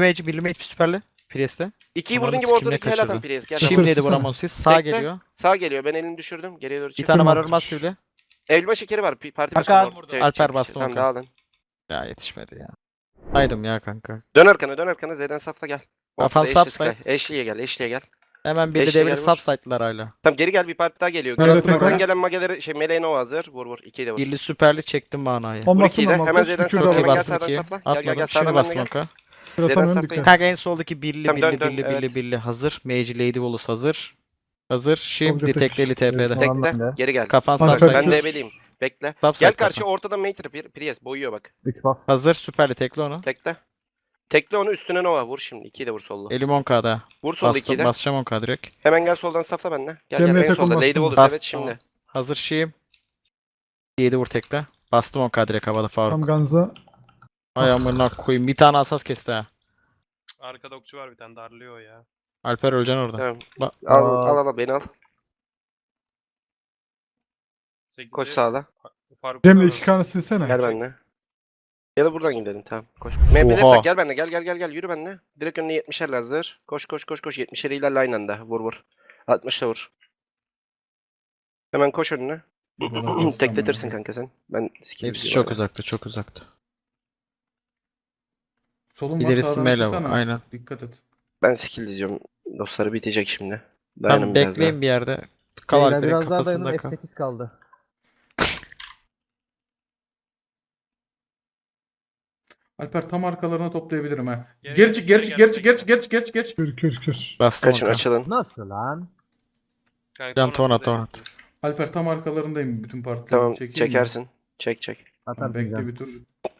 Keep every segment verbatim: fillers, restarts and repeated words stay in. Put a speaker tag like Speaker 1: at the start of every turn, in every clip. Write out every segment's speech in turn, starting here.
Speaker 1: mage, birli mage süperli. Priest'e.
Speaker 2: ikiyi
Speaker 1: Ananı
Speaker 2: vurdun gibi
Speaker 1: sikeyim, ne
Speaker 2: ortadaki hel atan
Speaker 1: kaçırdı.
Speaker 2: Priest. Gel.
Speaker 3: Şimdi-
Speaker 1: Şimdiydi
Speaker 3: Sıçsana.
Speaker 1: vuramam siz. Sağ
Speaker 2: Bekle.
Speaker 1: geliyor.
Speaker 2: Sağ geliyor. Ben elini düşürdüm. Geriye doğru
Speaker 1: Bir
Speaker 2: çık.
Speaker 1: tane var
Speaker 3: Tamam.
Speaker 1: ölmez şimdi.
Speaker 2: Elma şekeri var. pi- Parti
Speaker 1: Kanka,
Speaker 2: başkanı. Tek-
Speaker 1: Alper
Speaker 2: tek-
Speaker 1: bastı
Speaker 2: Tamam
Speaker 1: Monka.
Speaker 2: dağılın.
Speaker 1: Ya yetişmedi ya. Saydım ya kanka.
Speaker 2: Dön arkana dön arkana Z'den safla gel.
Speaker 1: Kafan
Speaker 2: Ortada Ashley
Speaker 1: subside.
Speaker 2: Sky. Ashley'e gel Ashley'e gel.
Speaker 1: Hemen birli
Speaker 2: Eşeğe
Speaker 1: devri
Speaker 2: gel vur.
Speaker 1: subsite'lar hala.
Speaker 2: Tamam geri gel bir parti daha geliyor.
Speaker 3: Nerede
Speaker 2: Uzaktan
Speaker 3: tekrar?
Speaker 2: gelen mageleri şey meleğe Nova hazır. Vur vur. ikiyi de vur.
Speaker 1: Birli süperli çektim manayı.
Speaker 2: Vur
Speaker 3: Olmasın
Speaker 2: ikiyi de.
Speaker 3: ama.
Speaker 2: Hemen
Speaker 3: Koş,
Speaker 2: Z'den
Speaker 3: kükür
Speaker 2: safla.
Speaker 3: de
Speaker 2: Hemen
Speaker 1: Okey
Speaker 2: gel
Speaker 3: bastım.
Speaker 1: bastım
Speaker 2: sağdan
Speaker 1: ikiye.
Speaker 2: safla. Gel gel
Speaker 1: Atmadım.
Speaker 2: gel
Speaker 1: Şimdi
Speaker 2: sağdan benimle
Speaker 1: bastım
Speaker 2: gel.
Speaker 1: oka.
Speaker 3: Kür
Speaker 2: Z'den
Speaker 3: atamıyorum
Speaker 2: safla
Speaker 3: dikkat.
Speaker 1: Kanka en soldaki birli
Speaker 2: Tamam,
Speaker 1: birli
Speaker 2: dön, dön,
Speaker 1: birli birli
Speaker 2: evet.
Speaker 1: birli hazır. Mage Lady Volus hazır. Hazır. Şimdi
Speaker 3: Tolga
Speaker 1: tekli T P'de.
Speaker 2: Tekle. Geri gel.
Speaker 1: Kafan
Speaker 2: Süper.
Speaker 3: Alper
Speaker 2: Ben
Speaker 3: kür.
Speaker 2: de ebeliyim. Bekle.
Speaker 1: Subsite
Speaker 2: Gel
Speaker 1: kafan.
Speaker 2: karşı ortada Mater Priest boyuyor bak.
Speaker 4: üç buff.
Speaker 1: Hazır süperli tekli onu.
Speaker 2: Tekle. Tekle onu üstüne Nova. Vur şimdi. ikiyi de vur sollu.
Speaker 1: Elim on K'da.
Speaker 2: Vur sollu ikiyi
Speaker 1: Bastım,
Speaker 2: de.
Speaker 1: basacağım on K direkt.
Speaker 2: Hemen gel soldan safla benimle. Gel gel
Speaker 3: Cemre'ye
Speaker 2: en
Speaker 3: tek
Speaker 2: solda.
Speaker 3: olmazsın
Speaker 2: Lady
Speaker 3: mı?
Speaker 2: Volus
Speaker 1: Bas,
Speaker 2: evet şimdi.
Speaker 1: tamam. Hazır şeyim. yedi vur tekle. Bastım on K direkt havada Faruk.
Speaker 3: Tam Ganza.
Speaker 1: Ay amına koyayım. Bir tane asas kesti ha.
Speaker 5: Arkada okçu var bir tane darlıyor ya.
Speaker 1: Alper öleceksin orada.
Speaker 2: Tamam.
Speaker 1: Ba-
Speaker 2: Al
Speaker 4: Aa.
Speaker 2: al al al, beni al.
Speaker 5: sekizi
Speaker 2: Koş sağla.
Speaker 5: Faruk
Speaker 3: Cemre
Speaker 5: Ozan'ın-
Speaker 3: iki kanı silsene.
Speaker 2: Gel benimle. Ya da buradan gidelim tamam. Koş. M P'leri
Speaker 1: Oha.
Speaker 2: tak gel benimle. Gel gel gel gel yürü benimle. Direkt önüne yetmişer hazır. Koş koş koş koş yetmişer ilerle aynı anda. Vur vur. altmışla vur. Hemen koş önüne. Tekletirsin kanka sen. Ben skill
Speaker 1: Hepsi
Speaker 2: izliyorum
Speaker 1: çok
Speaker 2: hala.
Speaker 1: uzakta, çok uzakta.
Speaker 3: Solun var
Speaker 1: İlerisi
Speaker 3: sağdan
Speaker 1: mele var,
Speaker 3: çıksana.
Speaker 1: aynen.
Speaker 3: Dikkat et.
Speaker 2: Ben skill izliyorum. Dostları bitecek şimdi.
Speaker 1: Tamam
Speaker 2: Dayanın biraz
Speaker 1: bekleyin
Speaker 2: daha.
Speaker 1: bir yerde. Kal
Speaker 4: Beyler
Speaker 1: Alper'in
Speaker 4: biraz daha
Speaker 1: kafasında
Speaker 4: dayanın.
Speaker 1: kal.
Speaker 4: F sekiz kaldı.
Speaker 3: Alper tam arkalarına toplayabilirim ha.
Speaker 5: Geri
Speaker 3: Geri
Speaker 5: gel,
Speaker 3: çık geri
Speaker 5: geri
Speaker 3: çık
Speaker 5: gel,
Speaker 3: geri çık geri çık
Speaker 5: gel.
Speaker 3: geri çık geri çık geri çık.
Speaker 6: Kür kür kür.
Speaker 1: Bastım
Speaker 2: Kaçın
Speaker 1: on K.
Speaker 2: açılın.
Speaker 4: Nasıl lan?
Speaker 5: Kanka,
Speaker 1: Can ton at,
Speaker 5: Tonat'ı
Speaker 1: ton
Speaker 5: yersiniz.
Speaker 3: Alper tam arkalarındayım bütün partilerin.
Speaker 2: Tamam
Speaker 3: Çekeyim mi?
Speaker 2: çekersin. Çek çek.
Speaker 3: Tamam,
Speaker 4: Atarsın
Speaker 3: bekle
Speaker 4: can.
Speaker 3: bir tur.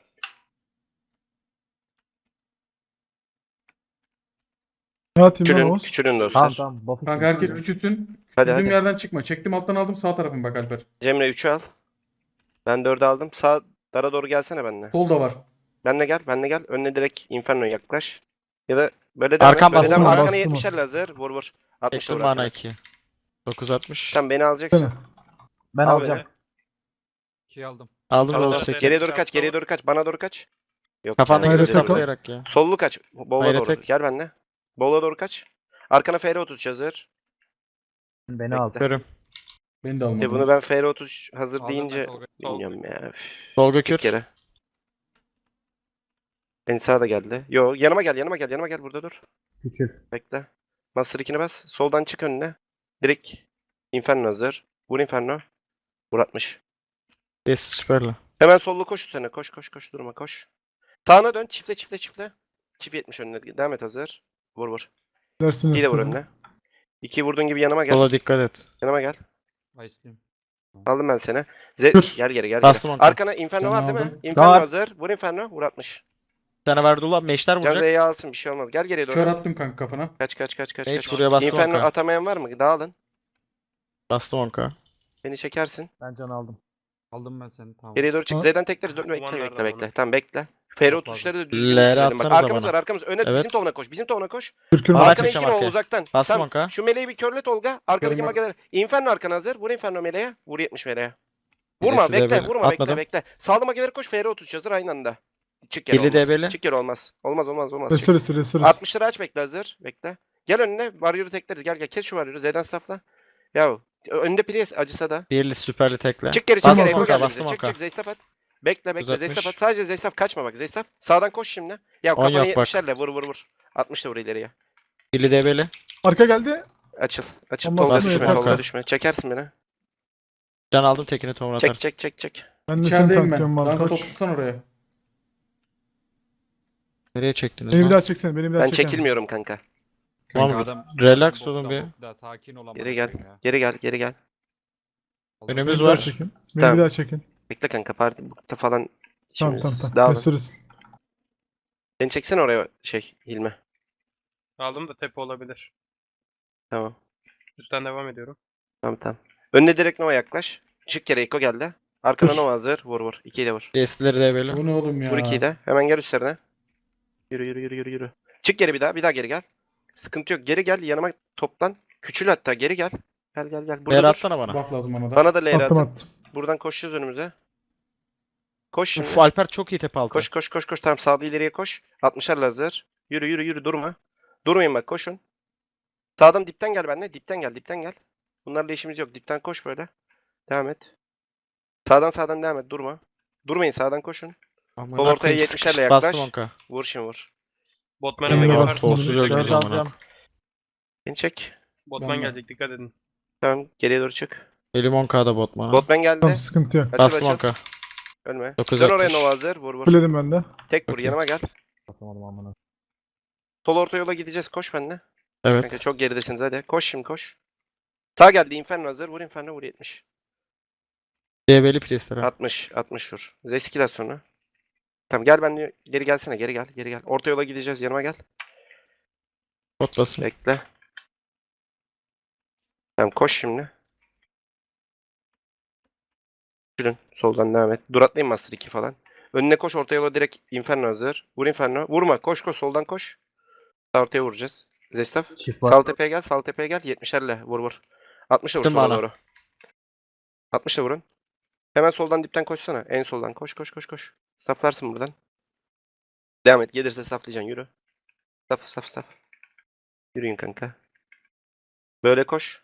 Speaker 6: Ne atayım lan
Speaker 2: Küçülün.
Speaker 6: Oğuz?
Speaker 2: Küçülün dostlar.
Speaker 4: Tamam tamam. Buff'ı
Speaker 3: Kanka
Speaker 4: sil.
Speaker 3: herkes küçülsün.
Speaker 2: Hadi,
Speaker 3: Küçüldüğüm
Speaker 2: hadi.
Speaker 3: yerden çıkma. Çektim alttan aldım sağ tarafım bak Alper.
Speaker 2: Cemre üçü al. Ben dördü aldım. Sağ dara doğru gelsene benimle.
Speaker 3: Sol da var.
Speaker 2: Benle gel, benle gel. Önüne direkt Inferno'ya yaklaş. Ya da böyle devam
Speaker 1: Arkam
Speaker 2: et. Böyle
Speaker 1: bastım,
Speaker 2: devam. Arkana
Speaker 6: bastım.
Speaker 2: yetmişer lazer. Vur vur. altmış
Speaker 1: Çektim
Speaker 2: vur
Speaker 1: bana
Speaker 2: arkana.
Speaker 1: iki. dokuz altmış.
Speaker 2: Tamam beni alacaksın.
Speaker 6: Sene.
Speaker 4: Ben
Speaker 2: Al
Speaker 4: alacağım.
Speaker 2: beni.
Speaker 7: İkiyi aldım.
Speaker 1: Aldım
Speaker 5: Tamam,
Speaker 1: Volus
Speaker 5: evet.
Speaker 1: tekli.
Speaker 2: Geriye doğru
Speaker 5: Şansı
Speaker 2: kaç, geriye
Speaker 5: var.
Speaker 2: doğru kaç. Bana doğru kaç. Yok.
Speaker 1: Kafanda
Speaker 2: ya,
Speaker 6: Hayret
Speaker 1: göre
Speaker 2: öyle
Speaker 6: yok.
Speaker 2: değil.
Speaker 1: saplayarak ya.
Speaker 2: Sollu kaç. Bola
Speaker 1: Hayret
Speaker 2: doğru.
Speaker 1: tek.
Speaker 2: Gel benimle. Bola doğru kaç. Arkana F R otuz hazır.
Speaker 4: Beni
Speaker 2: Bekle.
Speaker 4: al.
Speaker 1: Görüm.
Speaker 3: Beni de
Speaker 2: E
Speaker 3: almadınız.
Speaker 2: bunu ben F R otuz hazır
Speaker 7: Aldım ben
Speaker 2: deyince
Speaker 7: Tolga.
Speaker 2: bilmiyorum ya. Üf,
Speaker 1: Tolga
Speaker 2: Bir
Speaker 1: kür.
Speaker 2: kere. En sağa da geldi. Yo yanıma gel yanıma gel yanıma gel burada dur.
Speaker 4: Küçül.
Speaker 2: Bekle. Master ikini bas. Soldan çık önüne. Direkt Inferno hazır. Vur Inferno. Vur altmış.
Speaker 1: Yes süperli.
Speaker 2: Hemen sollu koş üstüne. Koş koş koş durma koş. Sağına dön. Çiftle çiftle çiftle. Çift yetmiş önüne. Devam et hazır. Vur vur.
Speaker 6: Dersiniz.
Speaker 2: İyi de vur önüne. İki vurduğun gibi yanıma gel.
Speaker 1: Sola dikkat et.
Speaker 2: Yanıma gel.
Speaker 7: Ice'liyim.
Speaker 2: Aldım ben seni. Z
Speaker 6: Dur.
Speaker 2: gel geri gel
Speaker 1: Bastım
Speaker 2: geri.
Speaker 1: onka.
Speaker 2: Arkana Inferno
Speaker 3: Canı
Speaker 2: var değil mi?
Speaker 3: aldım.
Speaker 2: Inferno
Speaker 1: Var.
Speaker 2: hazır. Vur Inferno. Vur altmış.
Speaker 1: Bir tane verdi ulan meşler
Speaker 2: Can
Speaker 1: vuracak.
Speaker 2: Z'yi alsın bir şey olmaz. Gel geriye doğru.
Speaker 3: Kör attım kanka kafana.
Speaker 2: Kaç kaç kaç kaç
Speaker 1: Hiç
Speaker 2: kaç.
Speaker 1: buraya bastım
Speaker 2: Inferno
Speaker 1: onka.
Speaker 2: atamayan var mı? Dağılın.
Speaker 1: Bastım on K.
Speaker 2: Beni çekersin.
Speaker 4: Ben can aldım.
Speaker 7: Aldım ben seni tamam.
Speaker 2: Geriye doğru çık.
Speaker 6: Ha?
Speaker 2: Z'den tekleriz. Dur, bekle
Speaker 5: Dumanlardan
Speaker 2: bekle bekle.
Speaker 5: onu.
Speaker 2: Tamam bekle. Fero
Speaker 7: Çok fazla.
Speaker 2: tuşları da düzgün
Speaker 1: L'ye
Speaker 2: düşürelim. Bak
Speaker 1: atsanıza
Speaker 2: arkamız
Speaker 1: bana.
Speaker 2: var arkamız. Öne
Speaker 1: Evet.
Speaker 2: bizim tovuna koş. Bizim tovuna koş.
Speaker 6: Kür kür.
Speaker 1: Bana
Speaker 2: Arkana
Speaker 1: çekeceğim
Speaker 2: iki ol
Speaker 1: arkaya.
Speaker 2: uzaktan.
Speaker 1: Bastım
Speaker 2: Tamam.
Speaker 1: onka.
Speaker 2: Şu meleği bir körlet Olga. Arkadaki
Speaker 3: Körüm yok.
Speaker 2: mageler. Inferno arkana hazır. Vur Inferno meleğe. Vur yetmiş meleğe. Vurma
Speaker 1: Birisi de
Speaker 2: bekle
Speaker 1: böyle.
Speaker 2: vurma
Speaker 1: Atmadım.
Speaker 2: bekle bekle. Sağlı mageleri koş. Fero otuz hazır aynı anda. Çık yer
Speaker 1: Birli
Speaker 2: olmaz.
Speaker 1: debeli.
Speaker 2: Çık yer olmaz. Olmaz olmaz olmaz. Çık.
Speaker 6: Restoresi restoresi.
Speaker 2: altmışları aç bekle hazır. Bekle. Gel önüne. Warrior'ı tekleriz. Gel gel. Kes şu Warrior'ı. Z'den staffla. Ya önünde Priest acısa da.
Speaker 1: Birli süperli tekle.
Speaker 2: Çık geri çık
Speaker 1: Bastım
Speaker 2: geri. Eko
Speaker 1: onka,
Speaker 2: geldi
Speaker 1: bastım
Speaker 2: bize. Çık
Speaker 1: onka.
Speaker 2: çık Zeystaf at. Bekle bekle
Speaker 1: yüz altmış.
Speaker 2: Zeystaf at. Sadece Zeystaf kaçma bak Zeystaf. Sağdan koş şimdi. Ya
Speaker 1: On
Speaker 2: kafana
Speaker 1: yok bak.
Speaker 2: yetmişlerle vur vur vur. altmış da vur ileriye.
Speaker 1: Birli debeli.
Speaker 6: Arka geldi.
Speaker 2: Açıl. Açıl.
Speaker 6: Olmaz
Speaker 2: Tolga
Speaker 1: mı?
Speaker 2: düşme.
Speaker 1: Yeterse.
Speaker 2: Tolga düşme. Çekersin beni.
Speaker 1: Can aldım tekini tomur
Speaker 2: Çek
Speaker 1: atarsın.
Speaker 2: çek çek çek.
Speaker 6: Ben de seni
Speaker 3: İçerideyim
Speaker 6: tanklıyorum
Speaker 3: ben. Dansa
Speaker 6: Malkoç.
Speaker 3: toplasan oraya.
Speaker 1: Nereye çektiniz
Speaker 6: Beni bir
Speaker 1: lan?
Speaker 6: daha çeksene. Beni bir daha
Speaker 2: Ben
Speaker 6: çeker misin?
Speaker 2: çekilmiyorum kanka.
Speaker 1: Tamam,
Speaker 7: Kanka adam-
Speaker 1: relax
Speaker 7: bokta,
Speaker 1: olun bir.
Speaker 7: bokta, sakin ol amına
Speaker 2: Geri gel.
Speaker 7: koyayım ya.
Speaker 2: Geri gel. Geri gel.
Speaker 7: Allah
Speaker 6: Beni
Speaker 1: Önümüz
Speaker 6: bir daha
Speaker 1: var.
Speaker 6: çekin. Beni
Speaker 2: Tamam.
Speaker 6: bir daha çekin.
Speaker 2: Bekle kanka. Parti bukta falan.
Speaker 6: Tamam
Speaker 2: İşimiz
Speaker 6: tamam tamam.
Speaker 2: dağılır.
Speaker 6: Restoresi.
Speaker 2: Beni çeksene oraya şey Hilmi.
Speaker 5: Aldım da tepe olabilir.
Speaker 2: Tamam.
Speaker 5: Üstten devam ediyorum.
Speaker 2: Tamam tamam. Önüne direkt Nova yaklaş. Çık kere Eko geldi. Arkana
Speaker 6: Dur.
Speaker 2: Nova hazır. Vur vur. İkiyi de vur.
Speaker 1: Destileri debeli.
Speaker 3: Bu ne oğlum ya?
Speaker 2: Vur ikiyi de. Hemen gel üstlerine. Yürü yürü yürü yürü yürü. Çık geri bir daha. Bir daha geri gel. Sıkıntı yok. Geri gel. Yanıma toplan. Küçül hatta. Geri gel. Gel gel gel. Burada
Speaker 1: Değer
Speaker 2: dur.
Speaker 1: atsana bana.
Speaker 3: Buff lazım ona da.
Speaker 2: Bana da L R
Speaker 6: Attım
Speaker 2: atın.
Speaker 6: attım.
Speaker 2: Buradan koşacağız önümüze. Koş şimdi.
Speaker 1: Uf Alper çok iyi tepe altı.
Speaker 2: Koş koş koş koş. Tamam sağda ileriye koş. altmışar hazır. Yürü yürü yürü durma. Durmayın bak koşun. Sağdan dipten gel benimle. Dipten gel dipten gel. Bunlarla işimiz yok. Dipten koş böyle. Devam et. Sağdan sağdan devam et. Durma. Durmayın sağdan koşun.
Speaker 1: Amına
Speaker 2: Sol ortaya
Speaker 1: koyayım,
Speaker 2: yetmişlerle
Speaker 1: sıkış-
Speaker 2: yaklaş.
Speaker 1: Bastım onka.
Speaker 2: Vur şimdi vur.
Speaker 5: Botman'a
Speaker 6: Ee,
Speaker 5: mı
Speaker 6: bastım.
Speaker 5: yaparsın?
Speaker 1: Solsuz
Speaker 6: Dört
Speaker 1: oynuyoruz
Speaker 4: Dört
Speaker 1: amına.
Speaker 4: alacağım.
Speaker 2: Beni çek.
Speaker 5: Botman
Speaker 3: Ben de.
Speaker 5: gelecek dikkat edin.
Speaker 2: Tamam geriye doğru çık.
Speaker 1: Elim onkada botmana.
Speaker 2: Botman geldi.
Speaker 6: Tamam sıkıntı yok.
Speaker 2: Açıl
Speaker 1: Bastım
Speaker 2: açıl.
Speaker 1: onka.
Speaker 2: Ölme.
Speaker 1: dokuz
Speaker 2: Dön oraya
Speaker 1: altmış.
Speaker 2: Nova hazır. Vur vur.
Speaker 6: Fulledim ben de.
Speaker 2: Tek vur
Speaker 1: Okey.
Speaker 2: yanıma gel.
Speaker 4: Basamadım amına.
Speaker 2: Sol orta yola gideceğiz. Koş benimle. Kanka
Speaker 1: Evet.
Speaker 2: çok geridesiniz hadi. Koş şimdi koş. Sağ geldi Inferno hazır. Vur Inferno vur yetmiş.
Speaker 1: D B'li priestler.
Speaker 2: altmış. altmış vur. Zeskiler sonra. Tamam gel ben geri gelsene geri gel geri gel. Orta yola gideceğiz yanıma gel.
Speaker 1: Bot basın.
Speaker 2: Bekle. Tamam koş şimdi. Şurun soldan devam et. Dur atlayayım Master iki falan. Önüne koş orta yola direkt Inferno hazır. Vur Inferno. Vurma koş koş soldan koş. Sağ ortaya vuracağız. Zestaf.
Speaker 4: Çift var.
Speaker 2: Sağ tepeye gel sağ tepeye gel. yetmişlerle vur vur. altmışla vur
Speaker 1: Attım
Speaker 2: sola
Speaker 1: bana.
Speaker 2: doğru. altmışla vurun. Hemen soldan dipten koşsana. En soldan koş koş koş koş. Saflarsın buradan. Devam et. Gelirse saflayacaksın. Yürü. Saf saf saf. Yürüyün kanka. Böyle koş.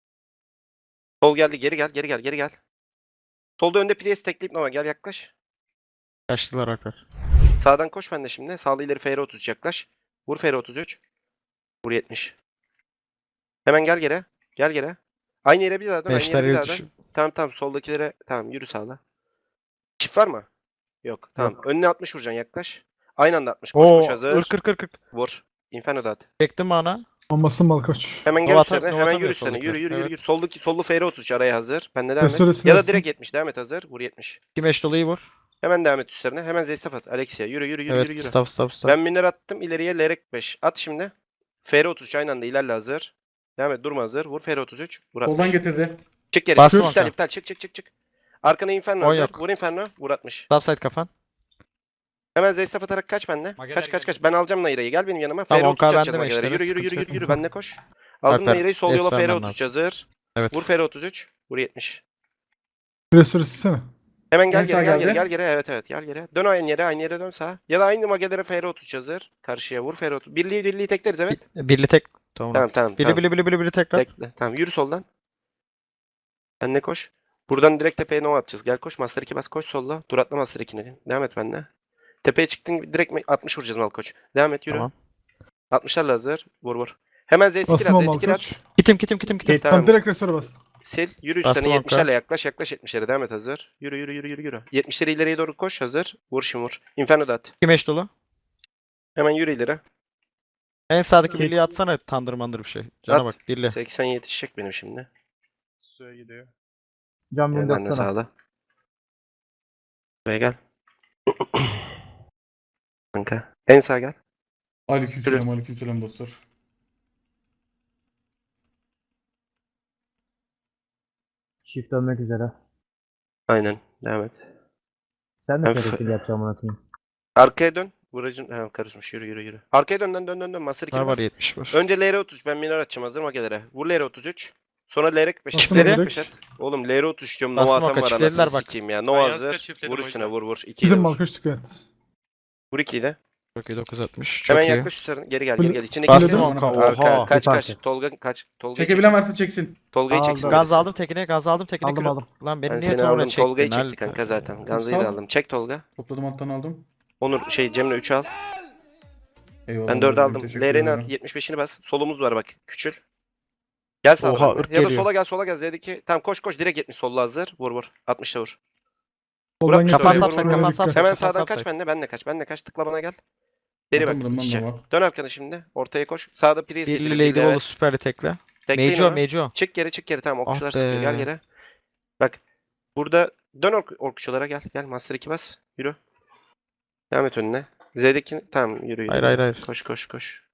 Speaker 2: Sol geldi. Geri gel. Geri gel. Geri gel. Solda önde Priest tekleyip Nova. Gel yaklaş.
Speaker 1: Kaçtılar Alper.
Speaker 2: Sağdan koş ben de şimdi. Sağlı ileri F R otuz yaklaş. Vur F R otuz üç. Vur yetmiş. Hemen gel geri. Gel geri. Aynı yere bir daha dön. Aynı
Speaker 1: Beşler
Speaker 2: yere bir
Speaker 1: yeri
Speaker 2: daha dön.
Speaker 1: düşün.
Speaker 2: Tamam tamam. Soldakilere. Tamam yürü sağla. Çift var mı? Yok. Tamam. Önüne altmış vuracaksın yaklaş. Aynı anda altmış. Koş koş
Speaker 1: Oo,
Speaker 2: hazır.
Speaker 1: ırk ırk ırk ırk.
Speaker 2: Vur. Inferno da at.
Speaker 1: Çektim bana.
Speaker 6: Bombasın Malkoç.
Speaker 2: Hemen gel
Speaker 1: Nova
Speaker 2: üstlerine.
Speaker 1: atar- Nova
Speaker 2: Hemen
Speaker 1: atamıyor
Speaker 2: yürü üstlerine. Yürü
Speaker 1: soldakiler.
Speaker 2: yürü yürü.
Speaker 1: Evet.
Speaker 2: yürü. Soldaki sollu F R otuz üç araya hazır. Bende devam et.
Speaker 6: Restoresi
Speaker 2: Ya da
Speaker 6: versin.
Speaker 2: direkt yetmiş. Devam et hazır. Vur yetmiş.
Speaker 1: Kim eş dolayı vur.
Speaker 2: Hemen devam et üstlerine. Hemen Zestaf at. Alexia. Yürü yürü yürü
Speaker 1: Evet.
Speaker 2: yürü. yürü.
Speaker 1: Staff staff staff.
Speaker 2: Ben miner attım. İleriye Lerek beş. At şimdi. F R otuz üç aynı anda ilerle hazır. Devam et. Durma hazır. Vur F R otuz üç. Vur altmış.
Speaker 3: Soldan getirdi.
Speaker 2: Çık geri.
Speaker 1: Bastım
Speaker 2: iptal
Speaker 1: Hakan.
Speaker 2: iptal. Çık çık çık çık. Arkana Inferno
Speaker 1: On
Speaker 2: hazır.
Speaker 1: yok.
Speaker 2: Vur Inferno. Vur altmış.
Speaker 1: Topside kafan.
Speaker 2: Hemen Zestaf atarak kaç benle.
Speaker 7: Mageler
Speaker 2: Kaç kaç
Speaker 7: geldi.
Speaker 2: kaç. Ben alacağım Naira'yı. Gel benim yanıma.
Speaker 1: Tamam,
Speaker 2: F R otuz üç
Speaker 1: on K
Speaker 2: atacağız
Speaker 1: bende
Speaker 2: Magelere.
Speaker 1: meşlere,
Speaker 2: Yürü yürü yürü
Speaker 1: sıkıntı
Speaker 2: yürü.
Speaker 6: yok.
Speaker 2: yürü. Benle koş. Aldım
Speaker 1: Alper,
Speaker 2: Naira'yı. Sol
Speaker 1: es
Speaker 2: yola F R
Speaker 1: vermem
Speaker 2: otuz
Speaker 1: lazım.
Speaker 2: hazır.
Speaker 1: Evet.
Speaker 2: Vur F R otuz üç. Vur yetmiş.
Speaker 6: Restoresi sene.
Speaker 2: Hemen gel
Speaker 3: En
Speaker 2: geri
Speaker 3: sağ
Speaker 2: gel geri
Speaker 3: geldi.
Speaker 2: gel geri. Evet evet gel geri. Dön aynı yere aynı yere dön sağa. Ya da aynı magelere F R otuz hazır. Karşıya vur F R otuz. Birliği birliği tekleriz evet.
Speaker 1: Birli tek. Tamam.
Speaker 2: Tamam tamam.
Speaker 1: Bili
Speaker 2: tamam.
Speaker 1: bili bili bili bili tekrar.
Speaker 2: Bekle. Tamam yürü soldan. Sen ne koş? Buradan direkt tepeye nova atacağız. Gel koş Master iki bas koş solla. Dur atla Master iki'ne. Devam et benimle. Tepeye çıktın gibi direkt me- altmış vuracağız Malkoç. Devam et yürü.
Speaker 1: Tamam.
Speaker 2: altmışlarla hazır. Vur vur. Hemen Z skill
Speaker 6: Bastım
Speaker 2: at.
Speaker 6: o
Speaker 2: Z skill at.
Speaker 6: Malkoç.
Speaker 1: Kitim kitim kitim kitim.
Speaker 2: Tamam.
Speaker 6: Tamam direkt restore bastım.
Speaker 2: Sil. Yürü
Speaker 1: Bastım
Speaker 2: üstlerine
Speaker 1: Hakan.
Speaker 2: yetmişlerle yaklaş yaklaş yetmişlere. Devam et hazır. Yürü yürü yürü yürü yürü. yetmişleri ileriye doğru koş hazır. Vur şimdi vur. Inferno da at.
Speaker 1: Kim eş dolu?
Speaker 2: Hemen yürü ileri.
Speaker 1: En sağdaki
Speaker 4: Kit.
Speaker 1: birliği atsana tandır mandır bir şey. Cana
Speaker 2: At.
Speaker 1: bak birli.
Speaker 2: seksen yetişecek benim şimdi.
Speaker 5: Suya gidiyor.
Speaker 4: Can
Speaker 2: Gel
Speaker 4: beni
Speaker 2: ben de
Speaker 4: atsana.
Speaker 2: sağla. Buraya gel. Kanka. En sağ gel.
Speaker 3: Aleykümselam aleykümselam dostlar.
Speaker 4: Çift dönmek üzere.
Speaker 2: Aynen. Devam et.
Speaker 4: Sen de
Speaker 2: Ben
Speaker 4: feresil yapacağım anlatayım.
Speaker 2: Arkaya dön. Vuracın. Ha, karışmış. Yürü yürü yürü. Arkaya dön dön dön dön. dön. Master iki
Speaker 1: Var var
Speaker 2: bas.
Speaker 1: yetmiş var.
Speaker 2: Önce L R otuz. Ben minor atacağım. Hazır magelere. Vur L R otuz üç. Sonra L R beş.
Speaker 6: Bastım
Speaker 1: Çiftleri.
Speaker 6: direkt.
Speaker 2: beş at. Oğlum L R otuz üç diyorum.
Speaker 1: Bastım
Speaker 2: Nova atan
Speaker 1: oka,
Speaker 2: var
Speaker 1: çiftlediler
Speaker 2: anasını
Speaker 1: bak.
Speaker 2: sikeyim ya.
Speaker 5: Ben
Speaker 2: Nova
Speaker 5: yanlışlıkla
Speaker 2: hazır.
Speaker 5: çiftledim
Speaker 2: Vur
Speaker 5: o
Speaker 2: üstüne
Speaker 5: yüzden.
Speaker 2: vur vur. ikiyi de
Speaker 6: Bizim
Speaker 2: vur.
Speaker 6: Malkoç dikkat et.
Speaker 2: Vur ikiyi de.
Speaker 1: Çok iyi dokuz altmış. Çok
Speaker 2: Hemen
Speaker 1: iyi.
Speaker 2: yaklaş üstlerine. Geri gel
Speaker 6: Full-
Speaker 2: geri gel. İçine
Speaker 6: Bastım
Speaker 2: girsin.
Speaker 3: onka,
Speaker 2: Arka,
Speaker 1: oha.
Speaker 2: kaç
Speaker 4: Bir
Speaker 2: kaç.
Speaker 4: parti.
Speaker 2: Tolga kaç. Tolga'yı
Speaker 3: Çekebilen
Speaker 2: çek.
Speaker 3: varsa çeksin.
Speaker 2: Tolga'yı
Speaker 4: Aldım.
Speaker 2: çeksin.
Speaker 1: Gaz aldım tekine, gaz aldım tekine.
Speaker 4: Aldım
Speaker 1: kilo-
Speaker 4: aldım.
Speaker 1: Lan
Speaker 2: Ben
Speaker 1: beni niye
Speaker 2: seni
Speaker 1: toruna
Speaker 2: aldım.
Speaker 1: çektin?
Speaker 2: Tolga'yı çekti
Speaker 1: Alper?
Speaker 2: kanka zaten. Ganza'yı
Speaker 3: Sal.
Speaker 2: da aldım. Çek Tolga.
Speaker 3: Topladım alttan aldım.
Speaker 2: Onur şey Cemre üç al.
Speaker 3: Eyvallah.
Speaker 2: Ben dört
Speaker 3: babacığım,
Speaker 2: aldım.
Speaker 3: teşekkür
Speaker 2: L R'ni
Speaker 3: ederim.
Speaker 2: at. yetmiş beşini bas. Solumuz var bak. Küçül. Gel sağa.
Speaker 1: Oha,
Speaker 2: benimle.
Speaker 1: ırk
Speaker 2: Ya da
Speaker 1: geliyor.
Speaker 2: sola gel sola gel. Z'deki. Tamam koş koş. Direkt yetmiş solla hazır. Vur vur. altmışta vur.
Speaker 6: Soldan
Speaker 2: Kafan
Speaker 6: getiriyor.
Speaker 2: sapsın,
Speaker 6: Oraya
Speaker 1: kafan
Speaker 6: dikkat.
Speaker 1: sapsın.
Speaker 2: Hemen
Speaker 1: Sağ,
Speaker 2: sağdan
Speaker 1: sağ,
Speaker 2: kaç
Speaker 1: sağ.
Speaker 2: benle. Benle kaç. Benle kaç. Tıkla bana gel. Deri bak.
Speaker 3: Atamadım lan
Speaker 2: içe.
Speaker 3: Nova.
Speaker 2: Dön arkana şimdi. Ortaya koş. Sağda priz
Speaker 1: Birli
Speaker 2: getir.
Speaker 1: Lady Wall'u süperli tekle.
Speaker 2: Tekleyin
Speaker 1: Mejo
Speaker 2: onu.
Speaker 1: Mejo.
Speaker 2: Çık geri çık geri. Tamam okçular
Speaker 1: Ah
Speaker 2: sıkıyor. Gel
Speaker 1: be.
Speaker 2: geri. Bak. Burada dön ork okçulara gel. Gel. Master iki bas. Yürü. Devam et önüne. Z'deki tamam yürü yürü.
Speaker 1: Hayır hayır hayır.
Speaker 2: Koş koş koş.